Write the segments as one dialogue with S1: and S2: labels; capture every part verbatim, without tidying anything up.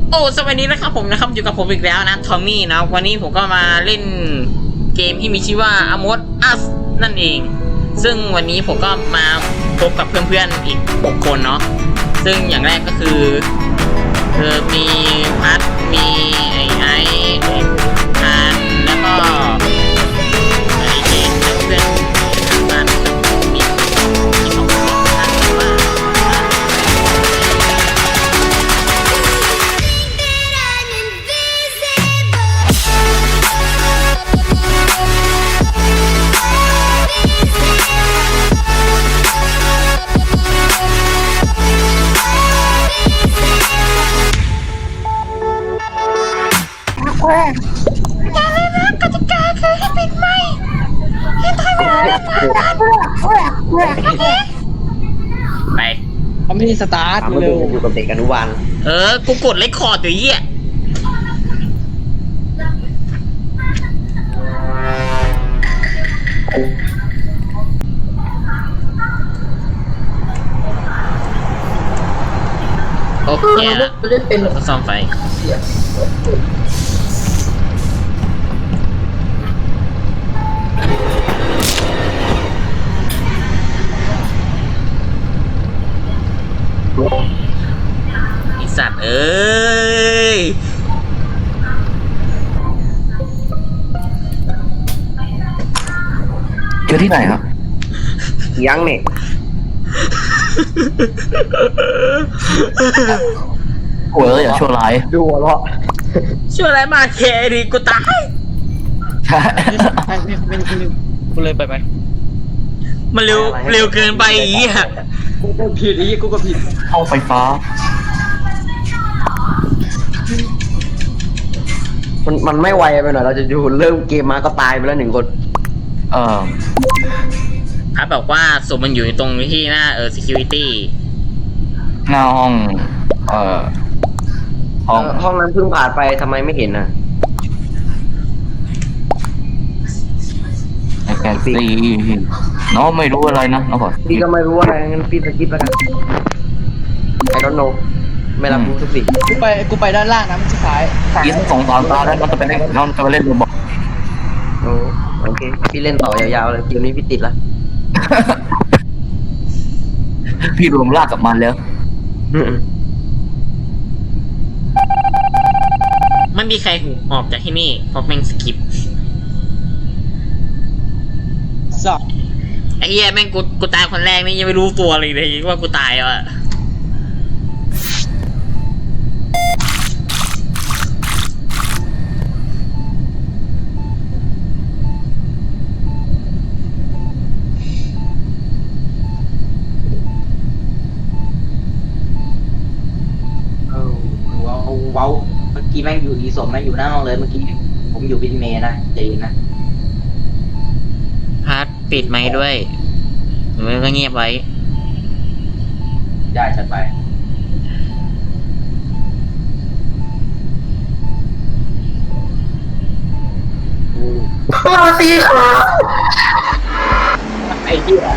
S1: โอ้สวัสดีนะครับผมนะครับอยู่กับผมอีกแล้วนะทอมมี่นะวันนี้ผมก็มาเล่นเกมที่มีชื่อว่า Among Us นั่นเอง ซึ่งวันนี้ผมก็มาพบกับเพื่อนๆอีกหกคนเนาะซึ่งอย่างแรกก็คือเออมีพัทมีไอไอทานแล้วก็ไอเจนเพื่อนๆบ้านมีมีสองคนท่านว่า
S2: อย่าลืมนะกติกาคือให้ปิดไมค์ให้ทำเวลาทำงานโอเค
S1: ไป
S3: เขาไม่ได้สตาร์ท
S4: ถามว่า
S3: เร็ว
S4: คุณอยู่กับเด็กอนุบาล
S1: เออ กูกดเลคคอร์ดอยู่ยี่อ่ะโอเคแล้วก็ซ่อมไฟไอสัตว์เอ้ย
S3: เจอที่ไหนครับ
S4: ยังเนี่ย
S3: โอ้ยอย่าชั่วร้าย
S4: ดูหัวเราะ
S1: ช่วยอะไรมาเคดีกูตาย
S3: ใช่
S5: ไม่ไม่ไม่ไม่กูเลยไปไหม
S1: มันเร็วเร็วเกินไปอีกอ่ะ
S5: กูก็ผิดอีกูก็ผิด
S3: ห้องไฟฟ้า
S4: มันมันไม่ไวไปหน่อยเราจะดูเริ่มเกมมาก็ตายไปแล้วหนึ่งคน
S3: เอ่อ
S1: พัดบอกว่าศพมันอยู่ตรงที่หน้าเออ security
S3: หน้าห้อง เอ่อ ห้อง
S4: เอ่อห้องนั้นเพิ่งผ่านไปทำไมไม่เห็นนะ
S3: ไอแกซีน้องไม่รู้อะไรนะน้องขอ
S4: พี่ก็ไม่รู้อะไรงั้นพี่สกิปแล้วกันไอ้ดอนโนไม่รับรู้ทุกสิ่ง
S5: กูไปกูไปด้านล่างนะมันสุดท้าย
S3: กินสองสามตาแล้วน้องจะไปเล่นน้องจะไปเล่นโรบอก
S4: โอ้โอเคพี่เล่นต่อยาวๆเลยเกมนี้พี่ติดละ
S3: พี่รวมลากกับมันแล้ว
S1: ไม่มีใครหูออกจากที่นี่เพราะแม่งสกิป
S5: สับ
S1: ไอ้เหี้ยแม่งกูกูตายคนแรกนี่ยังไม่รู้ตัวเลยเลยว่ากูตายแล้วอะ
S6: เออว้าวว้าวเมื่อกี้แม่งอยู่อีสมแม่งอยู่หน้าห้องเลยเมื่อกี้ผมอยู่บินเมย์นะใจเย็นนะ
S1: พัดปิดไมค์ด้วยหรือว่าเงียบไว้
S6: ได้จัดไปไอ้เหี้ย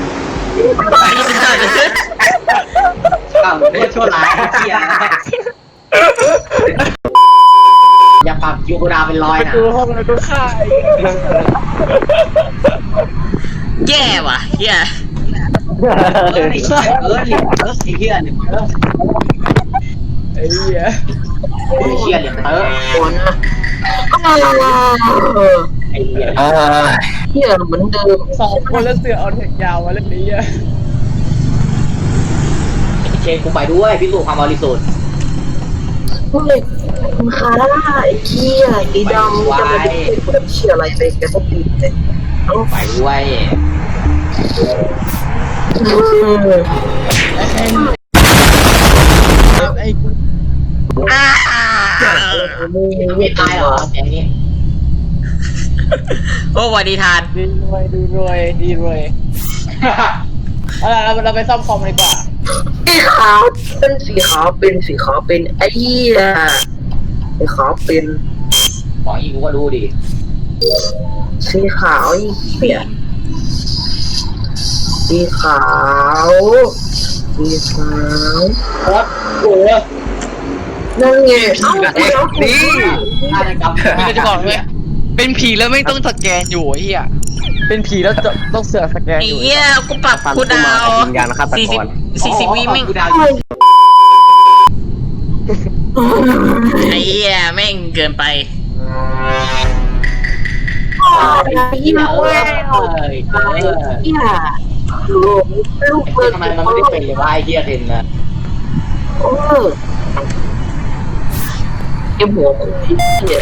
S6: อ้าวไม่ชั่วร้ายไอ้เหี้ยอย่าปรับยูโกดาเป็นร้อยนะ
S5: ดูห้องแล้วก็ฆ่า
S1: แย่ว่ะเหี้ย
S6: เออไอ้เหี้ยเออเนี่ยเออไอ้เหี้ยเนี่ยเออ
S5: ไอ้เหี้ย
S6: ไอ้เหี้ยเนี่ยเออไอ้เหี้ย
S3: เออ
S4: เฮียเหมือนเดิม
S5: สองคนแล้วเสือเอาแถกยาวมาเล่นนี้อ่ะ
S6: ไอ้เชนกูไปด้วยพิสูจน์ความบริสุทธิ์
S7: เฮ้ยคุณคาร่าไอ้เกี้ยไอ้ดำจะมาดูคนเชี่ยอะไรไปแกก็ตีเลย
S6: ไปด้วย
S5: ไอ้กู
S6: ไม่ตายเหรออย่างนี้
S1: โอ้สวัสดีทาน
S5: ดีรวยดีรวยดีรวยเอาล่ะเราเราไปซ่อมคอมดีกว่า
S7: สีขาวเป็นสีขาวเป็นสีขาวเป็นไอ้เหี้ยสีขาวเป็น
S6: บอกอีกกูก็รู้ดิ
S7: สีขาวไอ้เหี้ยสีขาวสีขาว
S6: โคตรโอ้
S7: นั่นไงเอ้าเดี๋ยว
S3: นี่
S6: ฆาตกรรม
S5: ไม่จะบอกเลยเป็นผีแล้วไม่ต้องสแกนอยู่ไอ้เหี้ยเป็นผีแล้วจะต้องเสือกสแกน
S1: ไอ้
S5: อยู่
S1: เหี้ยกูปรับคูลดาวน์
S4: วิญญาณฆาต
S1: สี่
S4: ก
S1: สิบ
S4: ร
S1: สี่สิบวิแม่ง
S6: กูดาว
S1: ไอ้เหี้ยแม่งเกินไป
S7: ยี่ห้อ
S6: เอ้ยเอ้ย
S7: ยี่ห้อลูกลูกเปิด
S6: ทำไมมันไม่ได้เป็นเลยวะไอ้เหี้ยเทนนะ
S7: เออเอ็มหัวมึงเนี่ย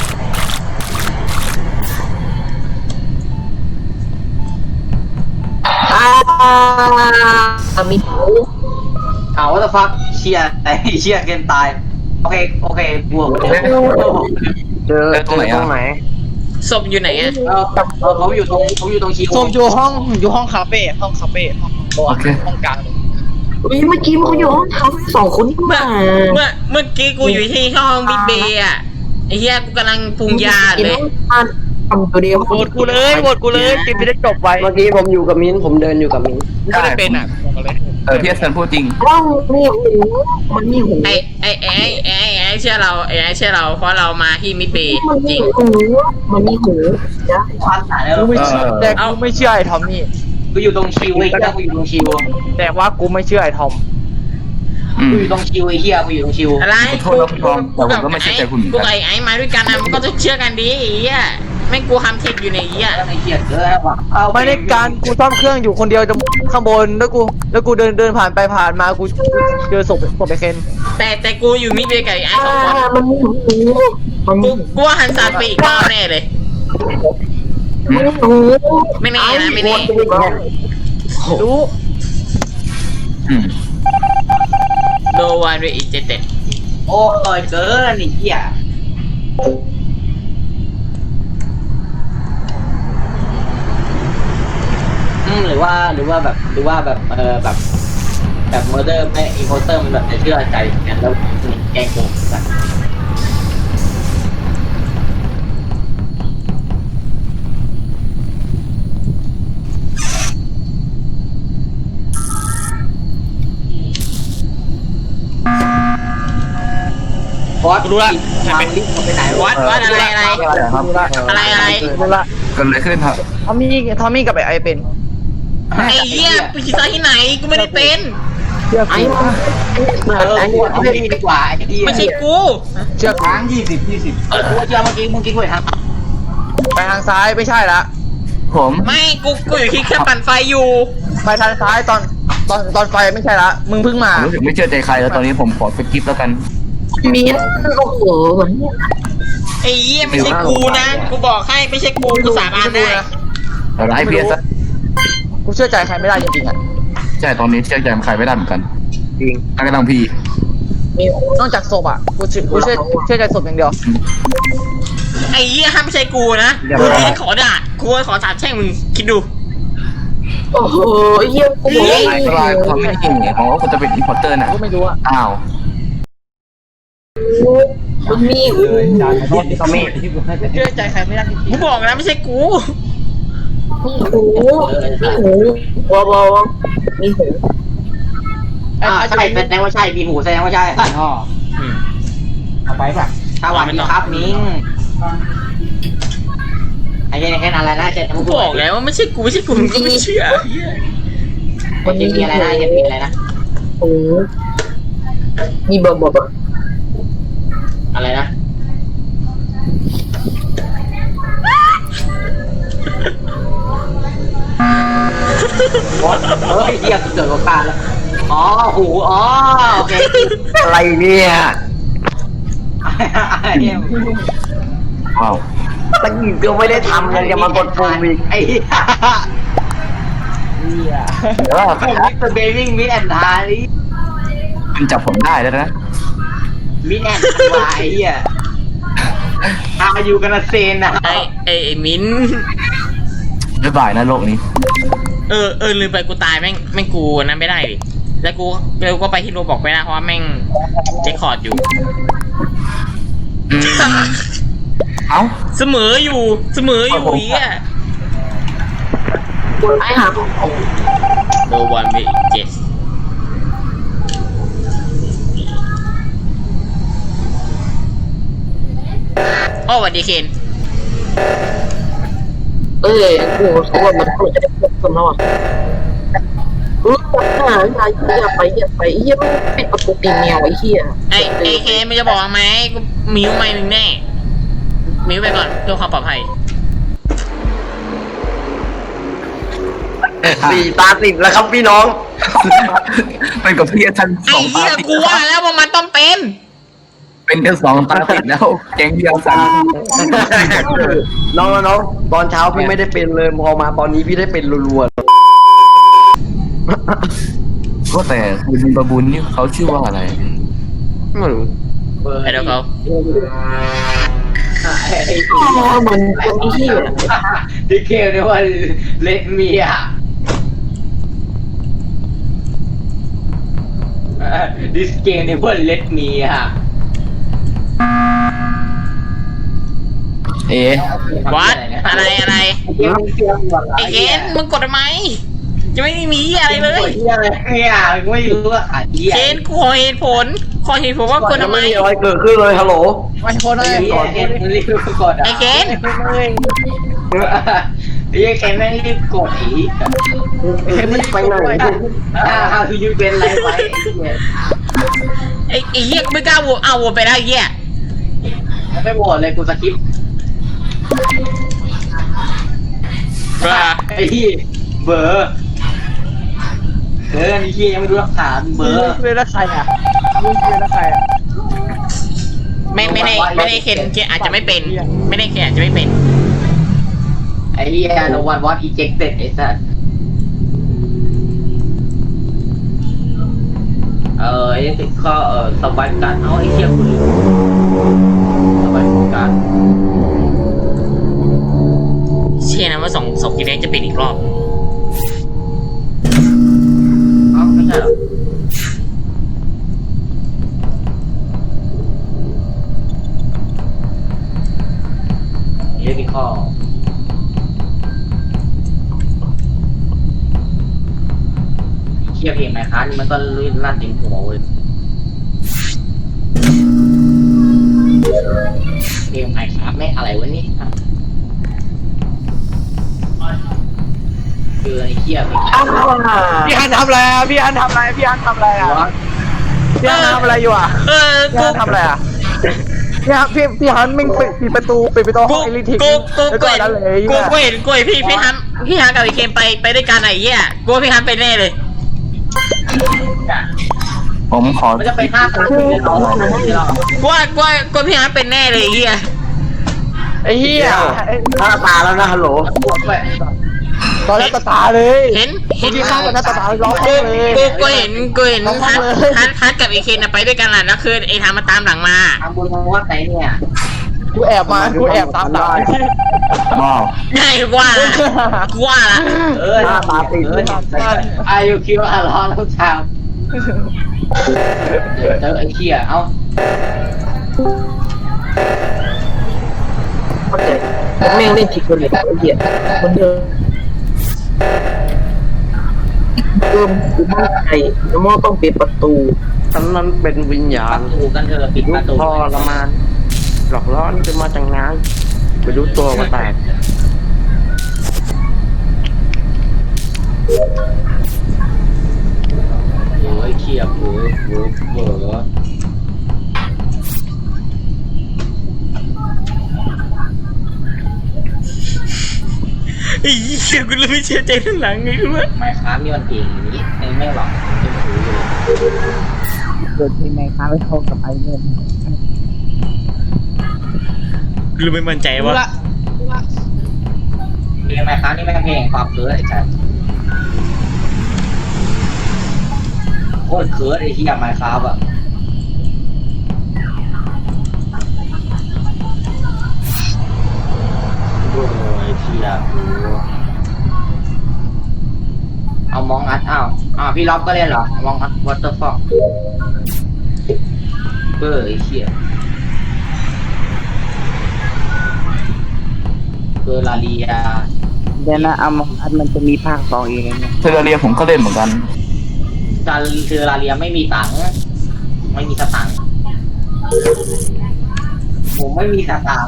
S7: อ่ามีหู
S6: เอาว่าจะฟักเชียแต่เชียเกมตายโอเคโอเคบวกเดี๋ยว
S4: เจอเจอตรงไหน
S1: ศพอยู่ไหนอะ
S6: เออเออเขาอยู่ตรงเขาอยู่ตรงคิว
S5: ส้มอยู่ห้องอยู่ห้องคาเฟ่ห้องคาเฟ่ห้องโต๊ะห้องกลางเลย
S7: อุ้ยเมื่อกี้มันอยู่ห้องเขาสองคนนี่
S1: เมื่อ
S7: มา
S1: เมื่อเมื่อกี้กูอยู่ที่ห้องบิ๊กเบย์อะไอ้เหี้ยกูกำลังปรุงยาเลย
S7: ทำตัวเดียว
S5: โหวตกูเลยโหวตกูเลยกินไม่ได้จบไว้
S4: เมื่อกี้ผมอยู่กับมิ้นผมเดินอยู่กับมิ้น
S5: ไม่ได้เป็นอ่ะบอกเลย
S3: เออที่อาจารย์พูดจริง
S7: ว่ามีหูมันมีหู
S1: ไอ้ไอ้ไอ้ไอ้ไอ้เชื่อเราไอ้ไอ้เชื่อเราเพราะเรามาที่มิดเบย์
S7: มัน
S1: จ
S7: มี
S1: ริง
S7: หูมันมีหูนะ
S6: ความหนาเนี่ย
S5: กูไม่เชื่อแต่กูไม่เชื่อไอ้ทอมนี่
S6: กูอยู่ตรงคิวไอ้เหี้ยกูอยู่ตรงคิว
S5: แต่ว่ากูไม่เชื่อไอ้ทอม
S3: อื
S6: กู
S3: ม
S6: อยู่ตรงคิวไอ้เหี้ยกูอยู่ตรงคิว
S1: อะไร
S3: ขอโทษนะคุณทอมแต่ผมก็ไม่เชื่อใจคุณเหมือนกัน
S1: กูกับไอ้ไอ้มาด้วยกันนะมันก็ต้องเชื่อกันดิไอ้เหี้ยแม่งกูทำเทคอยู่ในไอ้เหี้ย
S6: ไอ้เหี้ยเกินว่ะเอา
S5: ไม่ได้การกูซ่อมเครื่องอยู่คนเดียวจะข้างบนแล้วกูแล้วกูเดินเดินผ่านไปผ่านมากูเจอศพศพไอ้เคน
S1: แต่แต่กูอยู่มิดเบย์กับไอ้ไอ้สองคน
S7: มันมีหูมันมี
S1: กูกูว่าหันศาสตร์ไปอีกรอบแน่เลย
S7: มันมีหู
S1: ไม่แน่นะไม่แน่
S5: รู้
S3: อืม
S1: โดวันด้วยอีเจเต็ด
S6: โอ้ยเกินไอ้เหี้ยอืมหรือว่าหรือว่าแบบหรือว่าแบบเออแบบแบบเมอร์เดอร์ไม่อีโคเตอร์มันแบบจะเชื่อใจกันแล้วแกล้งโกงกันบอสรู้ละวางลิฟต์มันไปไหน
S1: วัดวัดอะไรอะไร
S3: ครับ
S1: อะไรอะไร
S5: รู้ละ
S3: เกิดอะไรขึ้นครับ
S5: ทอมมี่ทอมมี่กับไอ้ไอเป็น
S1: ไอ้เหี้ยไปคิดซะที่ไหนกูไม่ได้เป็น
S5: เชื่อ
S7: ไอ้
S5: กู
S7: มัน
S6: เออกูเอาพี่ดีกว่าไอ้เหี้ย
S1: ไม่ใช่กู
S5: เชื่อกู
S6: ค้างยี่สิบยี่สิบเออกูเชื่อเมื่อกี้เมื่อกี้กูเห็นทาง
S5: ไปทางซ้ายไม่ใช่ละ
S3: ผม
S1: ไม่กูกูอยู่ที่เครื่องปั่นไฟอยู่
S5: ไปทางซ้ายตอนตอนตอนไฟไม่ใช่ละมึงเพิ่งมา
S3: รู้สึกไม่เชื่อใจใครแล้วตอนนี้ผมขอสกิปแล้วกัน
S7: มีโอ้โหมัน
S1: ไอ้เหี้ยไม่ใช่กูนะกูบอกให้ไม่ใช่กูกูสาบานได้
S3: เอาละให้เพียซะ
S5: กูเชื่อใจใครไม่ได้จริงๆอ่ะ
S3: ใช่ตอนนี้เชื่อใจใครไม่ได้เหมือนกัน
S4: จริง
S3: กำลังพี
S7: มีหู
S5: นอกจากศพอ่ะกูเชื่อกูเชื่อเชื่อใจศพอย่างเดียว
S1: ไอ้เหี้ยห้ามไม่ใช่กูนะกูที่ขอด่ากูขอสาบแช่งมึงคิดดู
S7: โอ้โหเยี่ยมกู
S3: ไอ้ก็ลายความไม่จริงเนี่ยของว่าคุณจะเป็นอินพอร์เตอร์น่ะ
S5: กูไม่รู้อ่ะ
S3: อ้าว
S7: มันมีหู
S4: ตอมมี่
S5: เชื่อใจใครไม่ได้จริง
S1: กูบอกนะไม่ใช่กู
S7: มีหูมีหูวาวาวมีหู
S5: ๆ
S6: อ่าใช่แสดงว่าใช่มีหูแสดงว่าใช่อ๋อ
S4: เอาไปป่ะ
S6: สวัสดีครับมิ้งไอ้เหี้ยแค่นั้นอะไรนะเจ๊
S1: กูบอกแล้วว่าไม่ใช่กูไม่ใช่กูมึงก็ไม่เชื่อเหี้ย
S6: ไอ้เจ๊มีอะไรนะไอ้เจ๊มีอะไรนะ
S7: หูมีบอบบอบ
S6: อะไรนะบอสเฮ้ยเหี้ยเกิดโอกาสแล้วอ๋อหูอ๋อโอเค
S4: อะไรเนี่ย
S6: ไอ้เหี้ย
S3: ว้าว
S4: ตะกี้ก็ไม่ได้ทำยังจะมากดปุ่มอีก
S6: ไอ้เหี้ย
S3: เดี๋ยวว่า
S6: ผมมิสเตอร์เบบิ้งมิดแอนด์ทารี่
S3: คุณจับผมได้แล้วนะ
S6: มิดแอนด์ทาไอ้เหี้ยอาอยู่กันนะเซนนะ
S1: ไอ้ไอ้ไอ้มิ้น
S3: บ๊ายบายนะโลกนี้
S1: เออเออลืมไปกูตายแม่งแม่งกูนั้นไม่ได้ดิแล้วกูแล้วก็ไปที่โรบอกไม่ได้เพราะว่าแม่งเจคคอร์ดอยู่
S3: อืมเอ้า
S1: เสมออยู่เสมออยู่เหี้ย
S7: ไอ้หา
S1: โดวันเวเจสอ้สวัสดีเคน
S7: เอ้ยกูเขาว่ามันควรจะได้พบกันแล้วอ่ะเออหาอย่าอย่าไปอย่าไปเฮียมันปิดประตูตีแมวไอ้เฮีย
S1: ไอไอเคนมันจะบอกไหมกูมิวไม่มึงแน่มิวไปก่อนเพื่อความปลอดภัย
S4: สี่ตาติดแล้วครับพี่น้อง
S3: เป็นกับพี่ทันส
S1: ไอ้
S3: องตา
S1: เหี้ย
S3: ติด
S1: กูว่าแล้วว่ามันต้องเป็น
S3: เป็นกันสองตาติดแล้วแก๊งเดียวสัน
S4: น้องน้องตอนเช้าพี่ไม่ได้เป็นเลยพอมาตอนนี้พี่ได้เป็นรัว
S3: ก็แต่คุณบาบุญนี่เขาชื่อว่าอะไร
S4: ๆไม่รู้
S6: เบอร์
S1: ไอ้เดี๋ยวเขา
S6: ไอ้ไอ้
S7: อ๋อมันคนไอ้เฮีย
S6: ที่เกมเนี่ยว่าเลดเมียดิสเกมเนี่ยว่าเลดเมีย
S3: เอ๊ะ
S1: วัดอะไรอะไร
S6: เกมเกมหมด
S1: ไอ้เคนมึงกดทำไมจะไม่มีอะไรเลย
S6: ที่อะไรเนี่ยไม่รู้ว่าขาดเหี้ย
S1: เคนกูขอเหตุผลขอเหตุผลว่ากดทำไม
S4: ไม่มีอะไรเกิดขึ้นเลยฮัลโหล
S5: ไอ้คน
S6: ไอ้
S5: นั้น
S6: เหี้ยเกมรีบกดอ่ะ
S1: ไอ้เคน
S6: ไอ้เหี้ยเกมแม่งรีบกดอีก
S5: เห็นมันไปไหน
S6: อ่าคือยูเป็นไรไว้ไอ้เหี้ย
S1: ไอ้ไอ้เหี้ยไม่กล้าโหวตเอาโหวตไปได้ไอ้เหี้ย
S6: ไม่โหวตเลยกูสคิป
S1: บ้า
S6: ไอ้ที่เบอร์เออนี่ที่ยังไม่รู้หลักฐานเบอร์
S5: เป็นแล้วใครอ่ะมึงเป็นแล้วใครอ่ะ
S1: ไม่ไม่ได้ไม่ได้เคนเคนอาจจะไม่เป็น ไม่ได้เคนอาจจะไม่เป็น
S6: ไอ้ที่โนวันวอตอีเจ็กเต็ดไอ้สัสเออไอ้ติดข้อเออสบายการเอาไอ้เชี่ยคุณสบายการ
S1: เชื่อนะว่าสองศพกินเองจะเป็นอีกรอบ
S6: เอ้าไม่ใช่หรอเรื่องที่ข้อเชี่ยเพลงไหมคะนี่มันก็ลื่นลั่นถึงหัวเว้ยเพลงไหมครับไม่อะไรวะนี่คือไอ้เชี่ยเพลง
S7: อ้าว
S5: พี่ฮันทำอะไรอ่ะพี่ฮันทำอะไรพี่ฮันทำอะไรอ่ะพี่ฮันทำอะไรอยู่อ่ะ
S1: เออ
S5: พี่
S1: กู
S5: ฮันทำอะไรอ่ะพี่ฮันพี่พี่ฮันมึงปิดปิดประตูปิดประตูห้
S1: กู
S5: องไอริทิก
S1: กูกู
S5: แล้ว
S1: กู
S5: ก็
S1: เห็น
S5: นั่นเลย
S1: กูกูเห็นกูเห็นพี่พี่ฮันพี่ฮันกับไอ้เคนไปไปด้วยกันไอ้เหี้ยกูว่าพี่ฮันเป็นแน่เลย
S3: ผมขอ
S6: มันจะไปห้าคนเลยเหรอไม่หรอก
S1: กูว่ากูว่ากูว่าพี่ฮันเป็นแน่เลยไอ้เหี้ย
S5: ไอ้เหี้ย
S4: หน้าตาแล้วนะฮัลโหล
S6: บวกไป
S5: ตอนแรกตาตาเลย
S1: เห็นเห็น
S5: เมื่อกี้ข้างกันหน้าตาตาร้อง
S1: กู
S5: เลย
S1: กูกูเห็นกูเห็น
S5: ร้องไห้
S1: ฮัน
S5: เลย
S1: ฮันฮันกับไอ้เคนน่ะไปด้วยกันแหละแล้วคือไอ้ทามมาตามหลังมา
S6: ทำบุญมาวัดไหนเนี่ย
S5: กูแอบมากูแอบตามหลัง
S3: ว้าว
S1: ใช่กูว่าละกูว่าละ
S6: เออเอออายุคิวอาร้อนทุกเช้าเจอไอ้เชี่ยเอ้า
S7: เข้าใจแม่งเล่นผิดคนเลยไอ้เหี้ยคนเดิมเดิมกูมั่นใจน้ำมอต้องปิดประตู
S4: ฉันนั้นเป็นวิญญา
S6: ป
S4: ณ
S6: ระตูกันเถอะปิด
S4: ยุ
S6: ป
S4: ค
S6: ระตู
S4: ทรมานหลอกล่อนี่จะมาจากงานไปรู้ตัวว่าแตก
S6: โอ้ยเชี่ยเบอร์เบอร์เบอร์
S1: ไอ้เหี้ยกูเลยไม่เชื่อใจทั้งหลังไงรู้ไหม
S6: ไม่ค้ามีวันเองนี้ไม่ไม่หรอกไม่รู้เลย
S5: เกิดที่ไหนคะไปโทรกับไอ้เงิน
S1: กูเลยไม่มั่นใจว่า
S6: เพลงไหมค้านี่แม่งเพลงความเคิร์ดไอ้ชายโคตรเคิร์ดไอ้เชี่ยไมค์ครับอ่ะโอ้ยเชี่ยเอามองอัดอ้าวอ้าวพี่ล็อบก็เล่นเหรอมองอัดวอเตอร์ฟอกเบอร์ไอ้เชี่ยเบอร์ลาเลีย
S5: เดี๋ยวนะเอาอันมันจะมีภาคสองเอง
S3: เทอร์เรียผมก็เล่นเหมือนกัน
S6: ซาเทอราเลียไม่มีตังค์ไม่มีสตังค์โมผมไม่มีสตางค์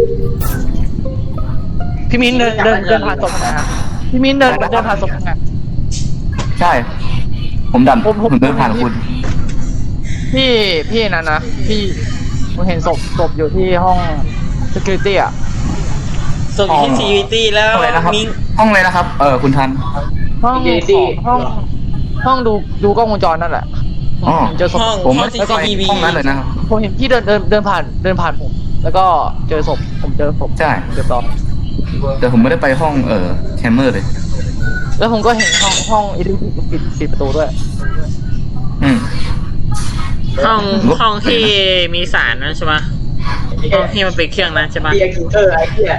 S5: พี่มิ้นเดินเดินเดินผ่านศพนะฮะพี่มิ้นเดินเดินผ่านศพไง
S3: ใช่ ผมดัน
S5: ผมผม
S3: ผมเดินผ่านคุณ
S5: พี่พี่นั่นนะพี่ผมเห็นศพศพอยู่ที่ห้อง security อ่ะ
S1: ส่งที่ซีวีตี้แล้ว
S3: ห้องอะไรนะครับ
S1: มิง
S3: ห้องอะไรนะครับ เออคุณทัน
S5: ห้องของห้องห้องดูดูกล้องวงจรนั่นแหละ
S3: อ๋อ
S5: ผมเจอศพ
S1: ห้อง
S3: ผม
S1: ห้อ
S3: ไม่
S1: งซี
S3: ได้ไป
S1: ทีวี
S3: ห้องนั้นเลยนะครับ
S5: ผมเห็นพี่เดินเดินเดินผ่านเดินผ่านผม แล้วก็เจอศพผมเจอศพ
S3: ใช่
S5: เรียบร้อย
S3: แต่ผมไม่ได้ไปห้องเออแคมเมอร์เลย
S5: แล้วผมก็เห็นห้องห้องอิเล็กทริกปิดปิดประตูด้วย
S3: อืม
S1: ห้องห้องที่มีสารนั่นใช่ปะห้องที่มันเป็นเครื่องนั้นใช่ปะ
S6: เบียร์คิวเตอร์ไอ้เหี้ย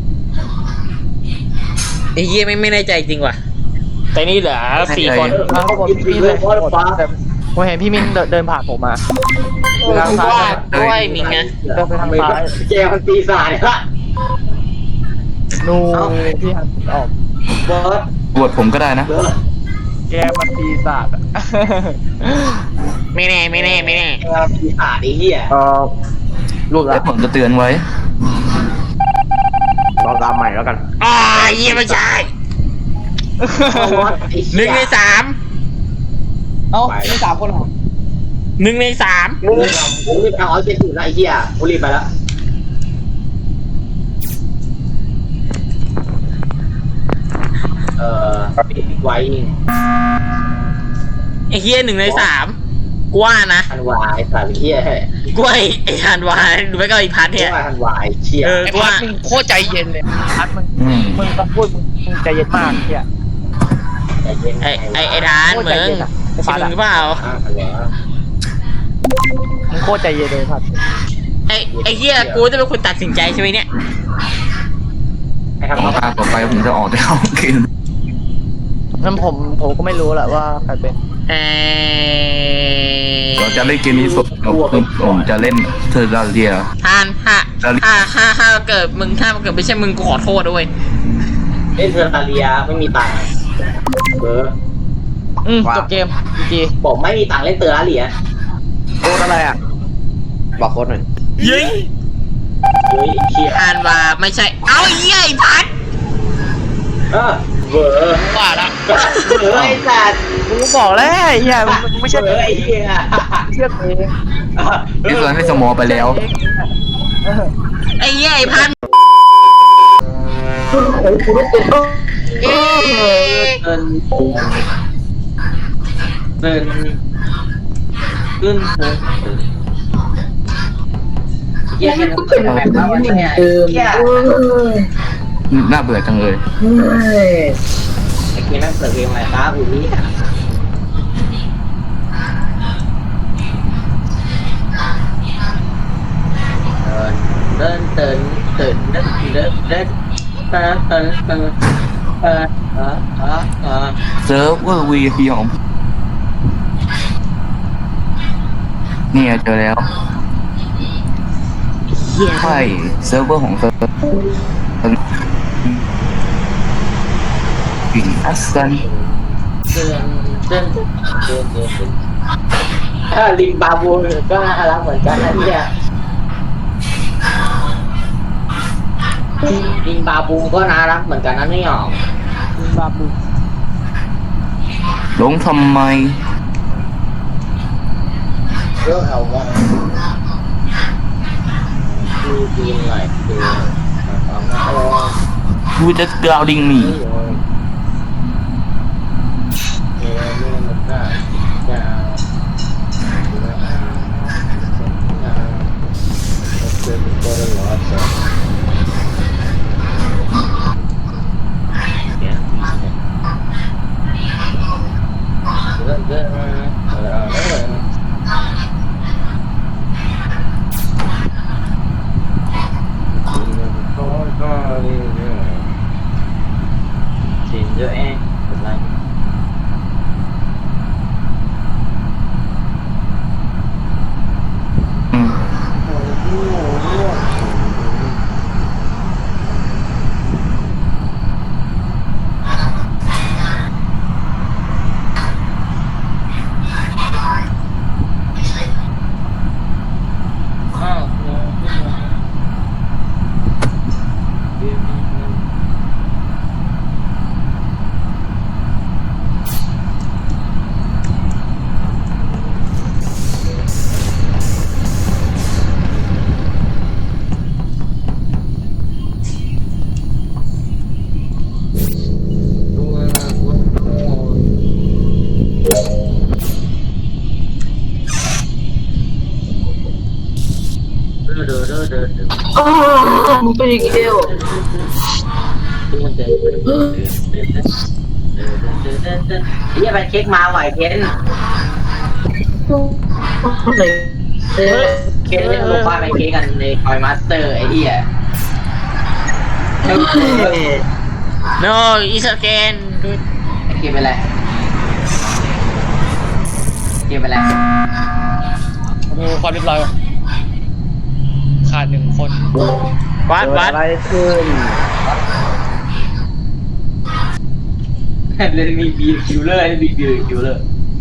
S1: ไอ้เหี้ยไม่ไม่แน่ใจจริงว่ะ แต่นี่เหลือสี่คน
S5: อ่ะผมพี่เลยแต่ผมเห็นพี่มินเดินเดินผ่านผมมาทางซ้าย
S1: ด้วยมิงไง
S5: เดินไปทางซ้าย
S6: เจมันปีศาจละ
S5: นูพี่หันออก
S6: เบิร์ด
S3: บวชผมก็ได้นะ
S6: เบิร์ด
S5: แกมันปีศาจอะ
S1: ไม่แน่ไม่แน่ไม่แน่
S6: ปีศาจไอ้เหี้ย
S4: เออรูป
S3: แล้
S4: ละ
S3: วผมจะเตือนไว้
S4: ลองตามใหม่แล้วกัน
S1: อ่าเหี้ยไม่ใช่ หนึ่งในสาม
S5: เอ้าไม่สามคนเหรอ
S1: หนึ่งในสาม
S6: ผมรีบเอาเอาเจ็ดสิบละไอ้เหี้ยผมรีบไปแล้วเอ่อปิดไว้
S1: ไอ้เฮียหนึ่งในสามกูว่านะ
S6: ทันวายสายเหี้ย
S1: กูว่าไอ้ไอ้ธันวาหรือไม่ก็ไอ้พัทเนี่ย
S6: ว่าทันวายเชี่ย
S1: เออ
S5: ไอ้
S1: กู
S5: พั
S1: ว่า
S5: ดมึงโคตรใจเย็นเลยพัดมึง
S3: อืม
S5: มึงต้องพูดมึงมึงใจเย็นมากเฮีย
S6: ใจเย็น
S1: ไอ้ไอ้ไอ้ดาน
S5: โคตร
S1: มึ
S5: ใจ
S1: ง
S5: เย็นอะไอ้
S1: ใช่
S5: พัด
S1: มึง
S5: อะ
S1: หรือเปล่า
S6: อ่าเหรอ
S5: มึงโคตรใจเย็นเลยพัด
S1: ไอ้ไอ้เฮียกูจะเป็นคนตัดสินใจใช่ไหมเนี่ย
S6: ไอ้ครับ
S3: ต่อ
S6: เขา
S3: ตาต่อไปผมจะออกจากห้องเกม
S5: นั่นผมผมก็ไม่รู้แหละว่าใครเป็น
S1: เออ
S3: เราจะเล่นเกมนี้สดเราผมจะเล่นเทอร์ราเรีย
S1: ทานถ้าถ้าถ้าถ้าเกิดมึงถ้าเกิดไม่ใช่มึงกูขอโทษด้วย
S6: เล่นเทอร์ราเรียไม่มีตังค์เบอร์
S5: อืมจบเกมจี
S6: ผมไม่มีตังค์เล่นเทอร์ราเรีย
S4: โค้ดอะไรอ่ะ บอกโค้ดหน่อย
S1: ยิง
S6: เฮ้ยเชี่ย
S1: ธันวาไม่ใช่ เอาไอ้เฮียไอ้พัท
S6: เออเบอร์
S1: ว่าละ
S6: เบอร์ไอ้สัตว์
S5: กูบอกแล้วไอ้เฮียมึงมึงไม่ใช่
S6: เบอร์ไอ้เหี้ย
S5: เชื่อเอง
S3: ที่ส่วนให้สมอไปแล้ว
S5: เออ
S1: ไอ้เฮียไอ้พัท
S6: เดินเดินขึ้นเหี้ยมันเปิดแบบแล้วเนี่ยเหี้ย
S3: น่าเบื่อจังเลย
S6: ไอ้เกมนั่งเปิดเพลงอะไรครับอุ้ยเดินเดินเดินเดินเดินเดินเดินเดินเดินเออเออเออเออ
S3: เซิร์ฟเวอร์ วี ไอ พี ของเนี่ยเจอแล้วใช่เซิร์ฟเวอร์ของเซิร์ฟปิงอัสซัน
S6: เดินเดินเดินเดินเดินถ้าลิงบาบูก็น่ารักเหมือนกันนะเนี่ยลิงบาบูก็น่ารักเหมือนกันนะเนี่ย
S5: มึงบาบู
S3: หลงทำไม
S6: เรื่องเอาว่าดูดีหน่อยดูเอาเอา
S3: กูจะกราวดิงหนี
S6: เออนี่มันก็จะเป็นตัวหลอดจ้ะเนี่ยเดินเดินเออเออXin cho em một like เดินเดินเดินเดิน
S7: อ้าวมึงเป็นอีกแล้ว
S6: เดินเดินเดินเดินเดินเดินเดินเดินเดินเฮียไปเค้กมาไหวเค้น
S7: อะไรเอ๊ะ
S6: เค้นเล่นบอกว่าไปเค้กกันในคอยมาสเตอร์ไอ้เหี้ย
S1: no is again
S6: ไอ้เกมเป็นไรเกมเป็นไร
S3: ดูความเรียบร้อยขาดหนึ่งคน
S1: วัด
S4: เกิด
S1: วัด
S4: อะไรขึ้น
S6: เล่นมีบีคิวเลอร์เล่นมีบีคิวเลอร์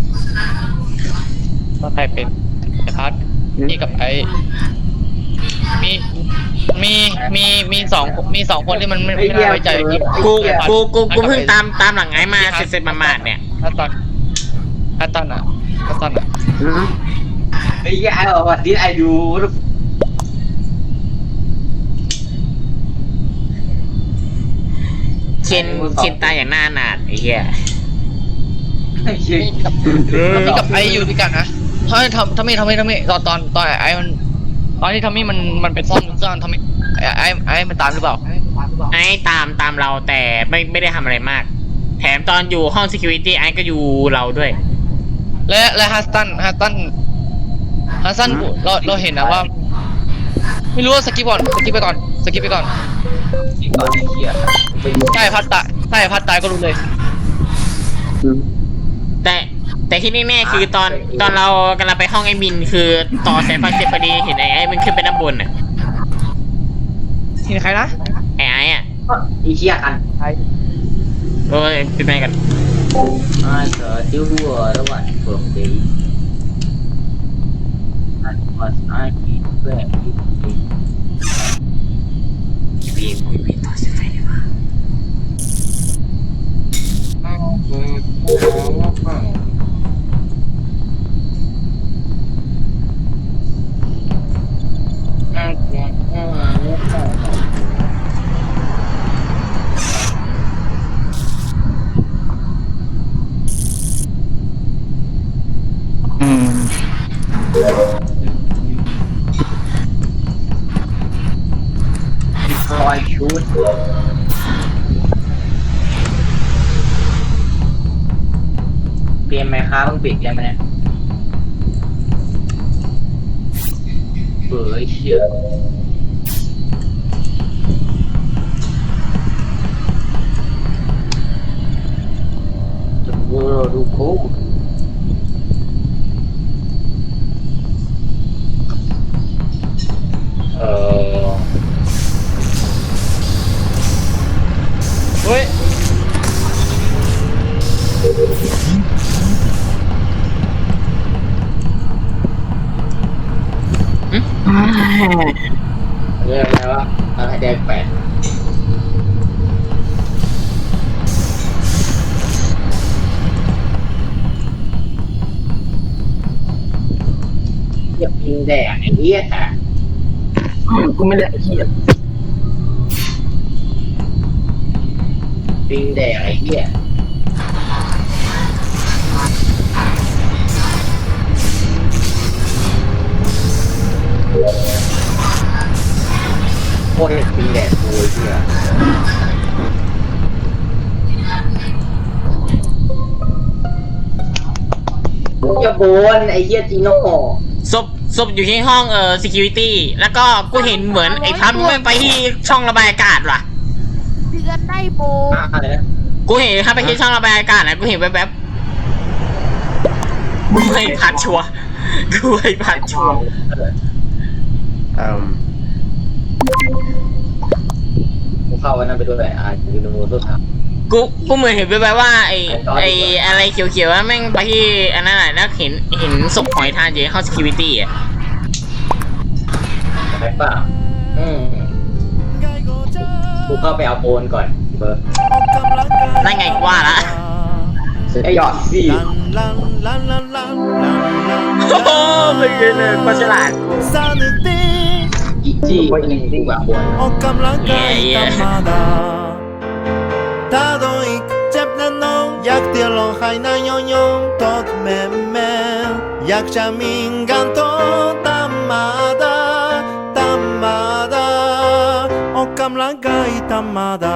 S3: ว่าใครเป็นไอพัทนี่กับไอมีมีมีมีสองมีสองคนที่มันไม่ไม่น่าไว้ใจพี่
S1: กูกูกูกูเพิ่งตามตามหลังไอ้มาเสร็จๆมาๆเนี่ย
S3: ถ้าตอนถ้าตอนอ่ะถ้าตอนอ่ะ
S6: ไอ้เหี้ยไอ้บอกว่าดิไอ้ดู
S1: เคนเคนตายอย่างหน้าหนาดไอ้เหี้ย
S6: ไอ้เหี้ย
S3: มีกับไออยู่ด้วยกันนะถ้าทำถ้าไม่ทำไม่ทำไม่ตอนตอนตอนไอมันตอนที่ทำให้มันมันเป็นซ่อนซ่อนทำให้ไอไอมันตามหรือเปล่า
S1: ไอ้ตามตามเราแต่ไม่ไม่ได้ทำอะไรมาก แถมตอนอยู่ห้อง security ไอ้ก็อยู่เราด้วย
S3: และและฮัสตันฮัสตันฮัสตันเราเราเห็นนะว่า ไม่รู้ว่าสกิปก่อนสกิปไปก่อนสกิปไปก่อน
S6: นี่ก่อนไอ้เหี้ยไปดู
S3: ใช่พัดตายใช่พัดตายก็รู้เลย
S1: แต่แต่ที่แน่ๆคือตอนตอนเรากำลังไปห้องไอ้มินคือต่อสายไฟเสร็จพอดีเห็นไอ้ไอ้มันขึ้นไปด้านบนอ่ะ
S3: เห็นใครนะ
S1: ไอ้ไอ้อ่ะ
S6: ไอ้เหี้ยกัน
S1: โอ้ยเป็นไงกัน
S6: อ่าเสือติ้วรัวระหว่างเปิดเดย์นั่นว่าสายที่แรกที่
S1: พี่พี่พี่ต่อสายไฟดีกว่า
S3: อืม
S6: คอยชุดเปลี่ยนไหมครับต้องเปลี่ยนเกมไหมเนี่ยเบื่อไอ้เชี่ยจะเบื่อดูโค้ด
S3: เออเฮ้ย
S6: เรียกอะไรวะอะไรแดงแปดเรียบยิงแดงไอ้เหี้ยค่ะ
S7: กูไม่ได้เหี้ย
S6: ยิงแดงไอ้เหี้ยโคตรยิงแดงโวยเหี้ยอย่าโบนไอ้เหี้ยจีโน่
S1: ศพศพอยู่ที่ห้องเอ่อ security แล้วก็กูเห็นเหมือนไอ้พับมันไปที่ช่องระบายอากาศว่ะ
S2: เดือนได้โบ
S6: อะไรนะ
S1: กูเห็นครับไปที่ช่องระบายอากาศนะกูเห็นแวบๆกูไม่พัดชัวร์กูไม่พัดชัวร์
S4: อืม
S6: กูเข้าวันนั้นไปด้วยอ่าคือโนโต้ถาม
S1: กูกูเหมือนเห็นแวบๆว่าไอ้ไอ้อะไรเขียวๆว่าแม่งไปที่อันนั้นแหละแล้วเห็นเห็นศพหอยทานอยู่ในห้อง security อ่ะ
S6: ใช่ป่ะอืมกูเข้าไปเอาโอนก่อนเบอร์
S1: นั่นไงกูว่าละ
S6: ไอ้หยอดสิ
S1: โอ้โหเป็นไงเนี่ยปลาฉลาด
S6: อีจี้อีจี้แบบโอน
S8: ออกกำลังกาย
S1: เย่
S8: ธรรมดาถ้าโดนอีกเจ็บแน่นอนอยากเดียวร้องไห้นายยองๆตดแม่แม่อยากจะมีกันโตธรรมดาธรรม間まだ